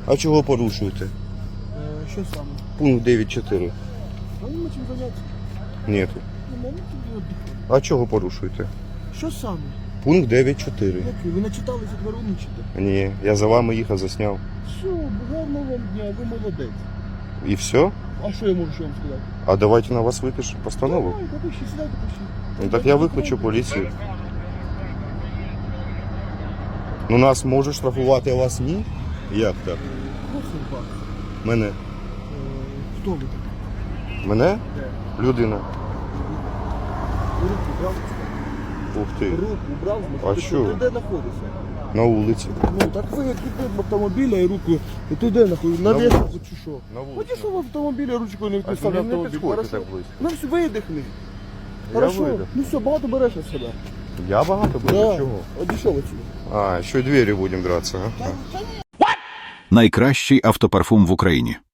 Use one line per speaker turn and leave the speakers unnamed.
А чого порушуєте?
Що саме?
Пункт 9.4.
А нема чим зайнятися.
Нету.
Нема тобі віддихати.
А чого порушуєте?
Що саме?
Пункт 9.4.
Який? Ви не читалися, дворуничите?
Ні, я за вами їхав, засняв.
Все, гарного вам дня, ви молодець.
І все?
А що я можу ще вам сказати?
А давайте на вас випишу постанову.
Давайте, пишіть, сідайте, пишіть.
Ну так я викличу поліцію. Ну нас можуть штрафувати, а вас ні? Як так?
Просим вас.
Мене?
Хто ви такий?
Мене?
Де?
Людина.
Руку брав?
Ух ти.
Руку брав?
А що?
Ти де знаходишся?
На вулиці.
Ну, так ви як від автомобіля і руку, і ти де знаходишся? На
На
веску
вулиці.
чи що?
На вулиці.
Ході, що в автомобілі ручкою не вписав
не
автомобіль.
підходьте
Хорошо?
так близько.
Ну все, видихни.
Я
Хорошо?
видих.
Ну все, багато береш на себе.
Я багато буду?
Да.
Чого?
Одійшов отсюди.
А, ще й двері будемо драться. А?
Найкращий автопарфум в Україні.